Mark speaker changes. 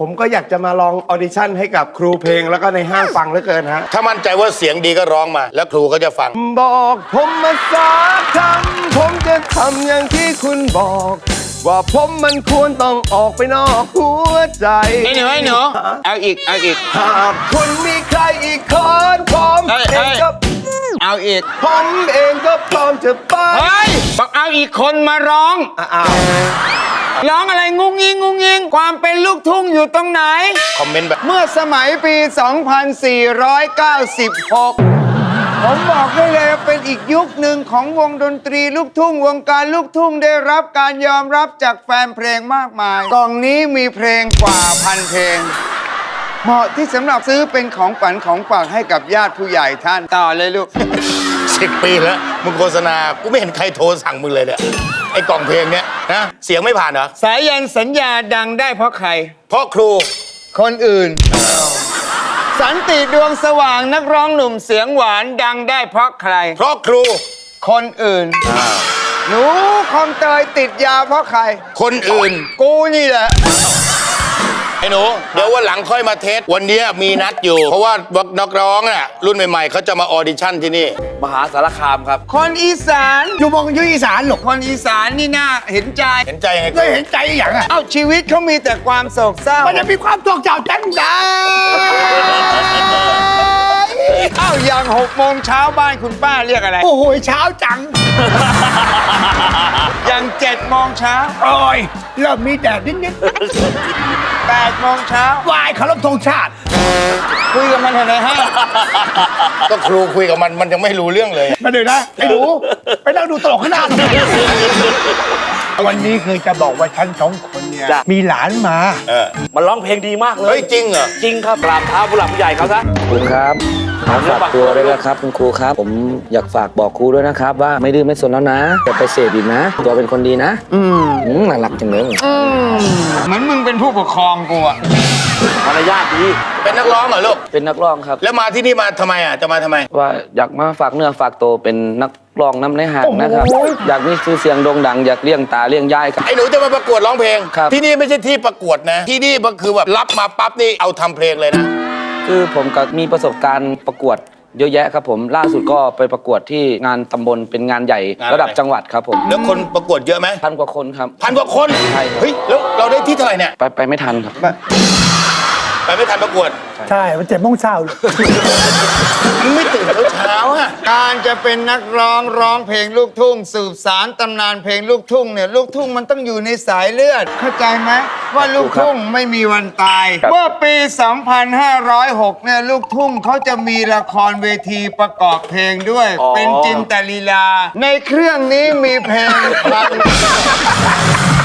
Speaker 1: ผมก็อยากจะมาลองออดิชั่นให้กับครูเพลงแล้วก็ในห้างฟังเหลือเกินฮะ
Speaker 2: ถ้ามั่นใจว่าเสียงดีก็ร้องมา แล้วครูก็จะฟัง
Speaker 1: บอกผมมาสักคำผมจะทำอย่างที่คุณบอก ว่าผมมันควรต้องออกไปนอกหัวใจ
Speaker 3: ไอ้หนูเอาอีก
Speaker 1: หากคุณมีใครอีกคนผมเองก็
Speaker 3: เอาอีก
Speaker 1: ผมเองก็พร้อมจะไป
Speaker 3: เฮ้ยบอกเอาอีกคนมาร้องร้องอะไรงุ้งยิงความเป็นลูกทุ่งอยู่ตรงไหน
Speaker 2: คอมเมนต์แบบ
Speaker 3: เมื่อสมัยปี 2496 ผมบอกได้เลยเป็นอีกยุคหนึ่งของวงดนตรีลูกทุ่งวงการลูกทุ่งได้รับการยอมรับจากแฟนเพลงมากมายกล่องนี้มีเพลงกว่าพันเพลงเหมาะที่สำหรับซื้อเป็นของฝันของฝากให้กับญาติผู้ใหญ่ท่านต่อเลยลูก
Speaker 2: 10 ปีแล้วมึงโฆษณากูไม่เห็นใครโทรสั่งมึงเลยเนี่ยไอ้กล่องเพลงเนี้ยนะเสียงไม่ผ่านเหรอ
Speaker 3: สายันสัญญาดังได้เพราะใคร
Speaker 2: เพราะครู
Speaker 3: คนอื่นสันติดวงสว่างนักร้องหนุ่มเสียงหวานดังได้เพราะใคร
Speaker 2: เพราะครู
Speaker 3: คนอื่นหนูคอมเตยติดยาเพราะใคร
Speaker 2: คนอื่น
Speaker 3: กูนี่แหละ
Speaker 2: ไอ้หนูเดี๋ยววันหลังค่อยมาเทสวันนี้มีนัดอยู่เพราะว่านักร้องน่ะรุ่นใหม่ๆเขาจะมาออดิชั่นที่นี่
Speaker 4: มหาสารคามครับ
Speaker 3: คนอีสาน
Speaker 1: อยู่มองอยู่อีสานหรอก
Speaker 3: คนอีสานนี่น่าเห็นใจ
Speaker 2: ยังไง
Speaker 1: ไม่เห็นใจอย่างอ่ะ
Speaker 3: เอ้าชีวิตเขามีแต่ความโศกเศร้า
Speaker 1: มันจะมีความโศกเศร้าจังได้
Speaker 3: เอ้าอย่าง6 โมงเช้าบ้านคุณป้าเรียกอะไร
Speaker 1: โอ้โหเช้าจัง
Speaker 3: อย่าง7 โมงเช้า
Speaker 1: โอ้ยเริ่มมีแดดนิด
Speaker 3: 8 โมงเช้าว
Speaker 1: ายเคารพธงชาติ
Speaker 3: คุยกับมันในห้าง
Speaker 2: ก็ครูคุยกับมันยังไม่รู้เรื่องเลย
Speaker 1: มาเดี๋ยวนะไอ้หนูไปนั่งดูตลกข้างหน้าวันนี้คือจะบอกว่าฉัน2 คนเนี่ยมีหลานมา
Speaker 4: มันร้องเพลงดีมากเลย
Speaker 2: เฮ้ยจริงเหรอ
Speaker 4: จริงครับกราบเท้าผู้หลักผู้ใหญ่เขาซะ
Speaker 5: คุณครับฝากตัวด้วยนะครับคุณครูครับผมอยากฝากบอกครูด้วยนะครับว่าไม่ดื้อไม่สนแล้วนะอย่าไปเสพอีกนะตัวเป็นคนดีนะน่ารักจังเลย
Speaker 3: เหมือนมึงเป็นผู้ปกครองกูอะ
Speaker 4: มารยาทดี
Speaker 2: เป็นนักร้องเหรอลูก
Speaker 5: เป็นนักร้องครับ
Speaker 2: แล้วมาที่นี่มาทำไมอ่ะจะมาทำไม
Speaker 5: ว่าอยากมาฝากเนื้อฝากตัวเป็นนักร้องน้ำในหางนะครับอยากมีชื่อเสียงโด่งดังอยากเลี้ยงตาเลี้ยงยายครับ
Speaker 2: ไอ้หนูจะมาประกวดร้องเพลงที่นี่ไม่ใช่ที่ประกวดนะที่นี่ก็คือแบบรับมาปั๊บนี่เอาทำเพลงเลยนะ
Speaker 5: คือผมก็มีประสบการณ์ประกวดเยอะแยะครับผมล่าสุดก็ไปประกวดที่งานตำบลเป็นงานใหญ่ระดับจังหวัดครับผม
Speaker 2: แล้วคนประกวดเยอะไหม
Speaker 5: 1,000 กว่าคนครับ
Speaker 2: 1,000 กว่าคน
Speaker 5: ใช่ครับ
Speaker 2: เฮ้ยแล้วเราได้ที่เท่าไหร่เนี่ย
Speaker 5: ไปไม่ทันครับ
Speaker 2: ไปไม่ทันประกวด
Speaker 1: ใช่มัน7 โมงเช้า
Speaker 2: มึงไม่ตื่นเช้าอ่ะ
Speaker 3: การจะเป็นนักร้องเพลงลูกทุ่งสืบสานตำนานเพลงลูกทุ่งเนี่ยลูกทุ่งมันต้องอยู่ในสายเลือดเข้าใจไหมว่าลูกทุ่งไม่มีวันตายเมื่อปี 2506 เนี่ยลูกทุ่งเขาจะมีละครเวทีประกอบเพลงด้วยเป็นจินตลีลาในเครื่องนี้มีเพลงพัน